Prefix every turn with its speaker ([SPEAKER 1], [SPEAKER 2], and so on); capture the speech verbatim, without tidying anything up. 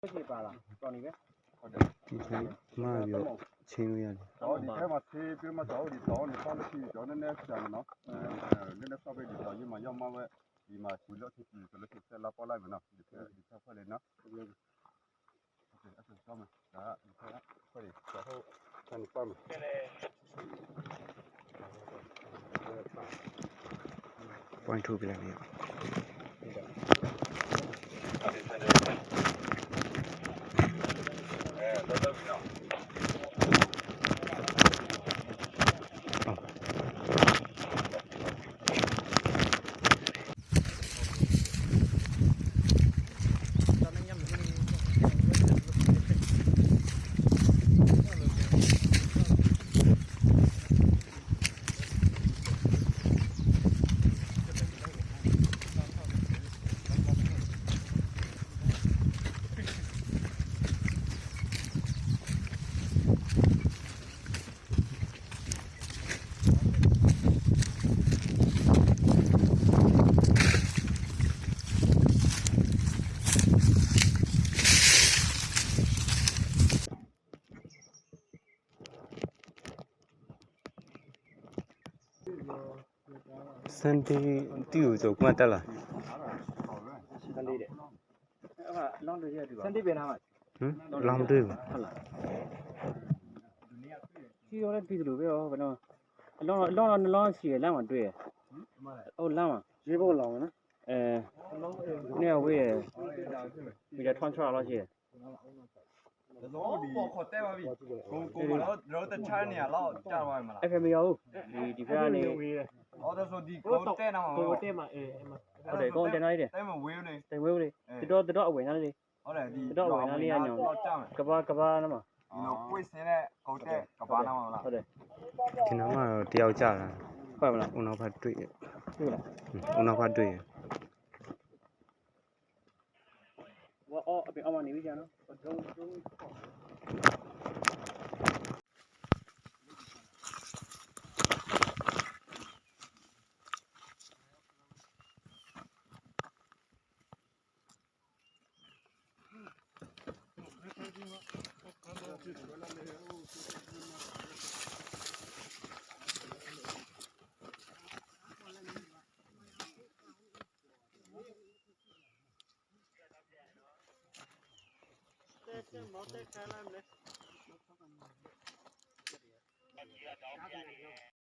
[SPEAKER 1] ဖြစ်ပါလားတော်နေပဲ
[SPEAKER 2] ဒီထဲမှာပြောချင်းလို့ရတယ်
[SPEAKER 3] ။တော့ဒီထဲမှာသေးပြီးမှတော့ဒီတော့နေပါလို့ရှိတော့နည်းနည်းဆန်နော်။အဲနည်းနည်းဆောက်ပြီးတော့ဒီမှာရောက်မှပဲဒီမှာချူလို့ဖြစ်ပြီးဆိုလို့ဆက်လာပေါ်လိုက်မယ်နော်ဒီထဲဒီထဲဖွဲ့လေနော်။ဟုတ်ကဲ့အဲ့ဒါဆောင်းမယ်။ဒါဒီထဲဖွဲ့လေတော့ဟုတ်ဆန်ပါမယ်။
[SPEAKER 2] point ထုတ်ပြလိုက်ပြီစန်ဒေးတီကိုကြောကွန်တက်လာ
[SPEAKER 1] စန်ဒေးတဲ့အဲ့ဒါလောင်းတွေရတူပါစန်ဒေးပြန်လာမှာ
[SPEAKER 2] ဟမ်လောင်းတွေ့ပါ
[SPEAKER 1] ဟုတ်လားဒီရောလည်းပြီးသလိုပဲရောဘယ်တော့အလောင်းအလောင်းနှလောင်းစီရလမ်းမှာတွေ့ရဟုတ်လမ်းမှာရေးဖို့လောင်းနော်အဲနေဝေးရပြီးတော့ထွန်းချလောက်ရှိရ
[SPEAKER 4] တော့ပေါ်ခေါ်တဲ့ပါပြီကိုကိုကတော့တော့တခြားနေရာတော့ကြာသွားမှာလား
[SPEAKER 1] အဲ့ဖမရောဒီဒီဘက်ကနေ
[SPEAKER 4] အော်ဒါဆိုဒီကိုတဲ့နာမှာ
[SPEAKER 1] ကိုတဲ့မှာအေးဟုတ်တယ်ကိုတင်လိုက်တယ်
[SPEAKER 4] တဲ့မှာဝေးလေ
[SPEAKER 1] တင်ဝေးလေဒီတော့ဒီတော့အဝင်သားလေး
[SPEAKER 4] ဟုတ်တယ်ဒီ
[SPEAKER 1] တော့အဝင်သားလေးကညောင်းကဘာကဘာနာမှာ
[SPEAKER 4] ဒီတော့ကိုစင်းတဲ့ကိုတဲ့ကဘာနာမှာလား
[SPEAKER 1] ဟုတ်တယ်
[SPEAKER 2] ဒီနောက်မှာတော့တယောက်ကြာလာ
[SPEAKER 1] ဟုတ်မလား
[SPEAKER 2] ဦးနောက်ဖက်တွေ့ရ
[SPEAKER 1] တွေ့လား
[SPEAKER 2] ဦးနောက်ဖက်တွေ့ရ
[SPEAKER 1] ဝါအော်အပြင်အမနေပြီကြာနော်ဒုံဒုံမော်တက်ခါလာမယ်